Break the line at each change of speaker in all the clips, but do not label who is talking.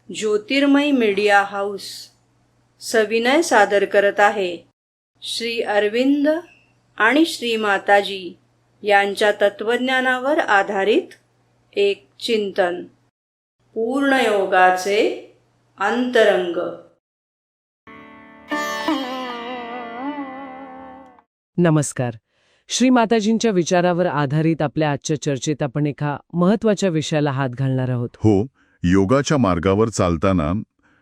ज्योतिर्मय media house सविनय सादर करत आहे श्री अरविंद आणि श्री माताजी यांच्या तत्वज्ञानावर आधारित एक चिंतन, पूर्णयोगाचे अंतरंग.
नमस्कार. श्री माताजींच्या विचारावर आधारित आपल्या आजच्या चर्चेत आपण एका महत्त्वाच्या विषयाला हात घालणार आहोत.
हो, योगाच्या मार्गावर चालताना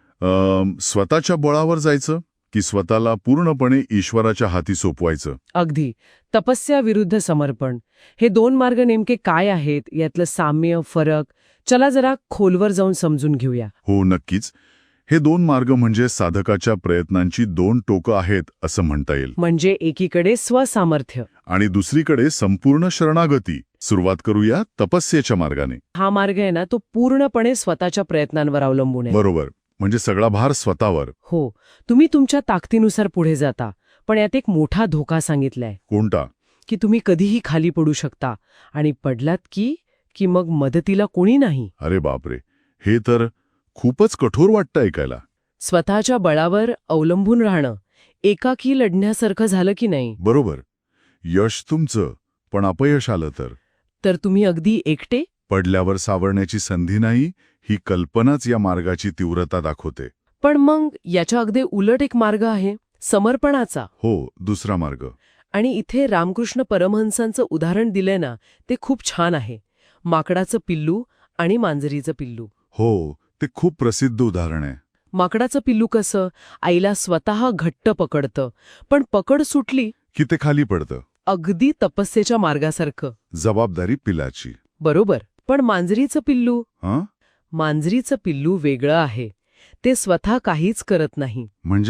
स्वतःच्या बळावर जायचं की स्वतःला पूर्णपणे ईश्वराच्या हाती सोपवायचं?
अगदी. तपस्या विरुद्ध समर्पण, हे दोन मार्ग नेमके काय आहेत, यातलं साम्य, फरक, चला जरा खोलवर जाऊन समजून घेऊया.
हो, नक्कीच. हे दोन मार्ग म्हणजे साधकाच्या प्रयत्नांची दोन टोकं आहेत असं म्हणता येईल.
म्हणजे एकीकडे स्वसामर्थ्य
आणि दुसरीकडे संपूर्ण शरणागती. सुरुवात करूया तपस्येच्या मार्गाने.
हा मार्ग आहे ना, तो पूर्णपणे स्वतःच्या प्रयत्नांवर अवलंबून आहे.
बरोबर. म्हणजे सगळा भार स्वतःवर.
हो, तुम्ही तुमच्या ताकदीनुसार पुढे जाता, पण यात एक मोठा धोका सांगितलाय.
कोणता?
की तुम्ही कधीही खाली पडू शकता, आणि पडलात की मग मदतीला कोणी नाही.
अरे बापरे, हे तर खूपच कठोर वाटतं ऐकायला.
स्वतःच्या बळावर अवलंबून राहणं एकाकी लढण्यासारखं झालं की नाही?
बरोबर. यश तुमचं, पण अपयश आलं तर
तुम्ही अगदी एकटे.
पडल्यावर सावरण्याची संधी नाही, ही कल्पनाच या मार्गाची तीव्रता दाखवते.
पण मग याच्या अगदी उलट एक मार्ग आहे, समर्पणाचा.
हो, दुसरा मार्ग.
आणि इथे रामकृष्ण परमहंसांचं उदाहरण दिलंय ना, ते खूप छान आहे. माकडाचं पिल्लू आणि मांजरीचं पिल्लू.
हो, ते खूप प्रसिद्ध उदाहरण आहे.
माकडाचं पिल्लू कसं आईला स्वतः घट्ट पकडतं, पण पकड सुटली
की ते खाली पडतं.
अगदी तपस्येच्या मार्गासारखं.
जबाबदारी पिलाची.
बरोबर. पण मांजरीचं पिल्लू?
हं?
मांजरीचं पिल्लू वेगळं आहे. ते स्वतः काहीच करत नाही.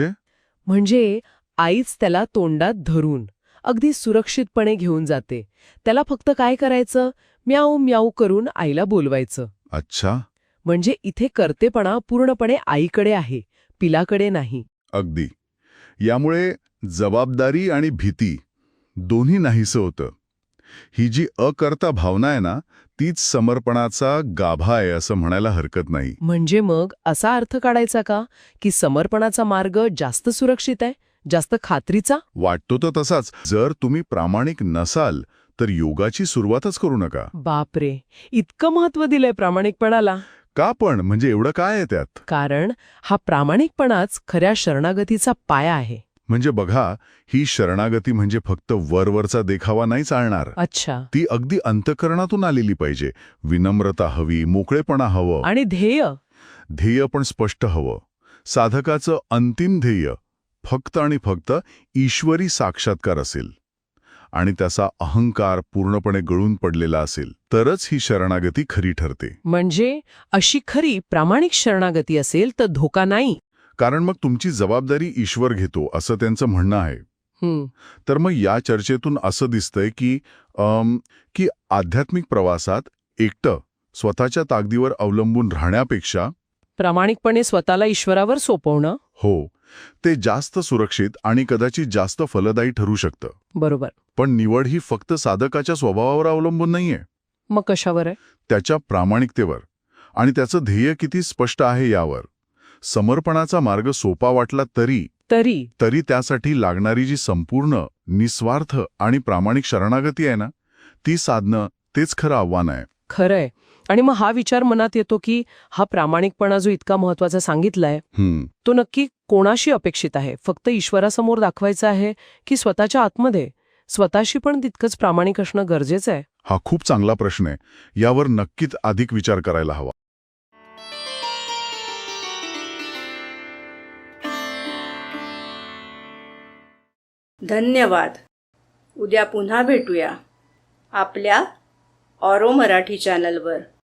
म्हणजे आईच त्याला तोंडात धरून अगदी सुरक्षितपणे घेऊन जाते. त्याला फक्त काय करायचं, म्याऊ म्याऊ करून आईला बोलवायचं.
अच्छा.
म्हणजे इथे कर्तेपणा पूर्णपणे आईकडे आहे, पिलाकडे नाही.
अगदी. यामुळे जबाबदारी आणि भीती दोन्ही नाहीसं होतं. ही जी अकर्ता भावना आहे ना, तीच समर्पणाचा गाभा आहे असं म्हणायला हरकत नाही.
म्हणजे मग असा अर्थ काढायचा का की समर्पणाचा मार्ग जास्त सुरक्षित आहे, जास्त खात्रीचा?
वाटतो तर तसाच. जर तुम्ही प्रामाणिक नसाल तर योगाची सुरुवातच करू नका.
बापरे, इतकं महत्त्व दिलंय प्रामाणिकपणाला.
का पण? म्हणजे एवढं काय आहे त्यात?
कारण हा प्रामाणिकपणाच खऱ्या शरणागतीचा पाया आहे.
म्हणजे बघा, ही शरणागती म्हणजे फक्त वरवरचा देखावा नाही चालणार.
अच्छा.
ती अगदी अंतःकरणातून आलेली पाहिजे. विनम्रता हवी, मोकळेपणा हवं.
आणि
ध्येय पण स्पष्ट हवं. साधकाचं अंतिम ध्येय फक्त आणि फक्त ईश्वरी साक्षात्कार असेल आणि त्याचा अहंकार पूर्णपणे गळून पडलेला असेल तरच ही शरणागती खरी ठरते.
म्हणजे अशी खरी प्रामाणिक शरणागती असेल तर धोका नाही.
कारण मग तुमची जबाबदारी ईश्वर घेतो असं त्यांचं म्हणणं आहे. तर मग या चर्चेतून असं दिसतंय की आध्यात्मिक प्रवासात एकटं स्वतःच्या ताकदीवर अवलंबून राहण्यापेक्षा
प्रामाणिकपणे स्वतःला ईश्वरावर सोपवणं,
हो, ते जास्त सुरक्षित आणि कदाचित जास्त फलदायी ठरू शकतं.
बरोबर.
पण निवड ही फक्त साधकाच्या स्वभावावर अवलंबून नाहीये.
मग कशावर आहे?
त्याच्या प्रामाणिकतेवर आणि त्याचं ध्येय किती स्पष्ट आहे यावर. समर्पणाचा मार्ग सोपा वाटला तरी त्यासाठी लागणारी जी संपूर्ण, निस्वार्थ आणि प्रामाणिक शरणागती आहे ना, ती साधणं तेच खरं आव्हान आहे.
खरंय. आणि मग हा विचार मनात येतो की हा प्रामाणिकपणा जो इतका महत्वाचा सांगितलाय, तो नक्की कोणाशी अपेक्षित आहे? फक्त ईश्वरासमोर दाखवायचा आहे की स्वतःच्या आतमध्ये स्वतःशी पण तितकंच प्रामाणिक असणं गरजेचं आहे?
हा खूप चांगला प्रश्न आहे. यावर नक्कीच अधिक विचार करायला हवा.
धन्यवाद. उद्या पुन्हा भेटूया आपल्या ऑरो मराठी चॅनलवर.